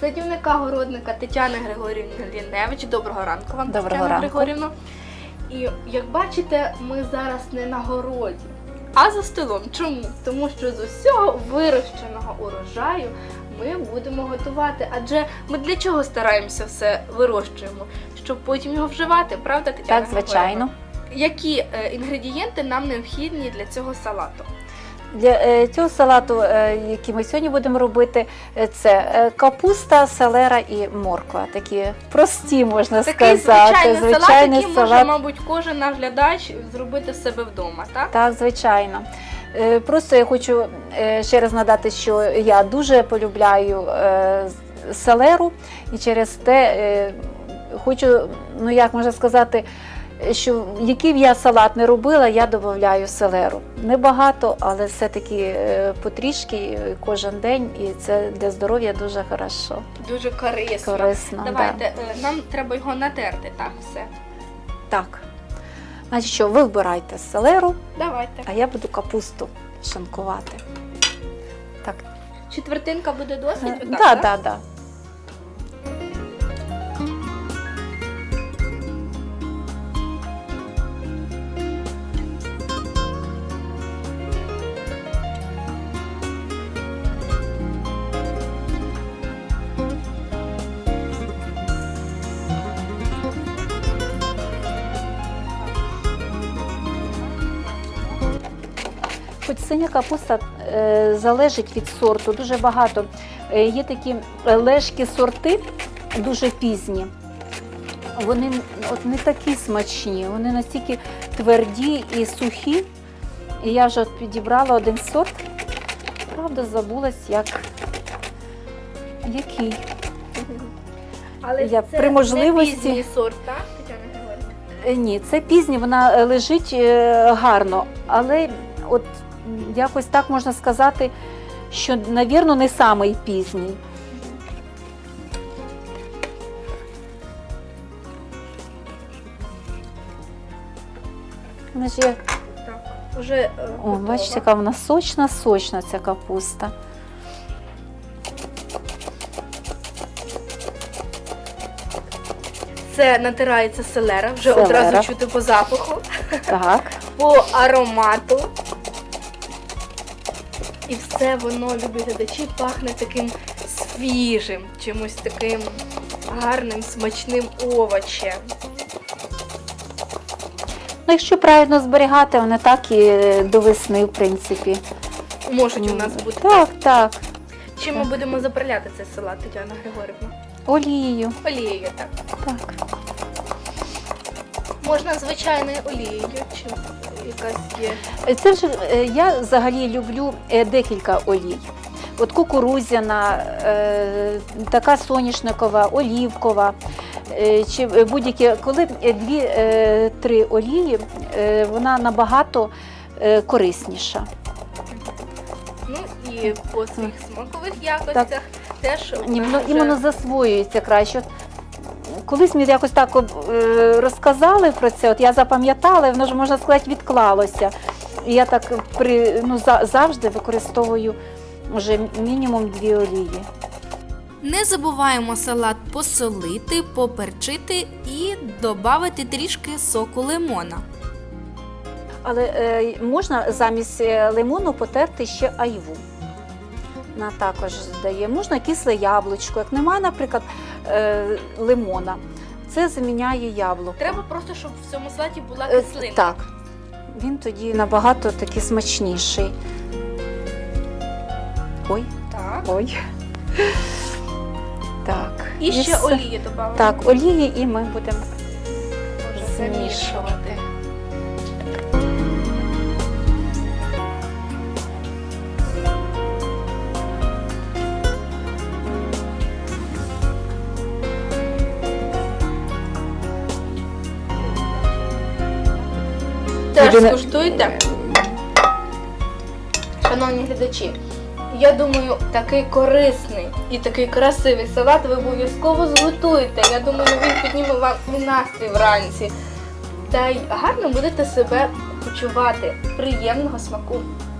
садівника-городника Тетяни Григорівни Ліневич. Доброго ранку вам, Доброго Тетяна ранку. Григорівна. І як бачите, ми зараз не на городі, а за столом. Чому? Тому що з усього вирощеного урожаю ми будемо готувати. Адже ми для чого стараємося все вирощуємо? Щоб потім його вживати, правда, Тетяна Так, звичайно. Григорівна? Які інгредієнти нам необхідні для цього салату? Для цього салату, який ми сьогодні будемо робити, це капуста, селера і морква. Такі прості, можна Такий сказати. звичайний салат, який може, мабуть, кожен наш глядач зробити в себе вдома, так? Так, звичайно. Просто я хочу ще раз нагадати, що я дуже полюбляю селеру, і через те хочу, ну як можна сказати, що який б я салат не робила, я додаю селеру. Небагато, але все-таки потрішки кожен день, і це для здоров'я дуже хорошо. Дуже корисно. Корисно, Давайте, нам треба його натерти, так, все. Так. Значить що, ви вбирайте селеру, Давайте. а я буду капусту шинкувати. Так. Четвертинка буде досить? Отак, Так, так, так. Хоч синя капуста залежить від сорту, дуже багато. Є такі лежкі сорти, дуже пізні. Вони от не такі смачні, вони настільки тверді і сухі. І я вже от підібрала один сорт, правда, забулась, який. Але Я це при можливості- не пізній сорт, так, Тетяна Григорівна? Ні, це пізній, вона лежить гарно, але от якось так можна сказати, що, навірно, не самий пізній. Вона ж є, Так, уже о, готова. бачите, яка вона сочна ця капуста. Це натирається селера, вже Селера. одразу чути по запаху, Так. по аромату. І все воно, любі глядачі, пахне таким свіжим, чимось таким гарним, смачним овочем. Ну, якщо правильно зберігати, вони так і до весни, в принципі. Можуть у нас бути. Так, так. Чим ми будемо заправляти цей салат, Тетяна Григорівна? Олією. Олією, так. Так. Можна звичайною олією, чи якась є. Це вже я взагалі люблю декілька олій. От кукурудзяна, така соняшникова, олівкова, чи будь-які, коли 2-3 олії, вона набагато корисніша. Ну і по своїх смакових якостях теж Ну, іменно засвоюється краще. Колись мені якось так розказали про це, от я запам'ятала, і воно ж, можна сказати, відклалося. І я так завжди використовую вже мінімум 2 олії. Не забуваємо салат посолити, поперчити і додати трішки соку лимона. Але можна замість лимону потерти ще айву. Вона також здає. Можна кисле яблучко. Як немає, наприклад, лимона, це заміняє яблуко. Треба просто, щоб в цьому салаті була кислина. Так. Він тоді набагато такий смачніший. Ой. Так. Ой. Так. І ще все. олії додаємо. Так, олії, і ми будемо Замішувати. змішувати. Теж Ірина- скуштуйте. Шановні глядачі, я думаю, такий корисний і такий красивий салат ви обов'язково зготуєте. Я думаю, він підніме вам і настрій вранці. Та й гарно будете себе почувати. Приємного смаку.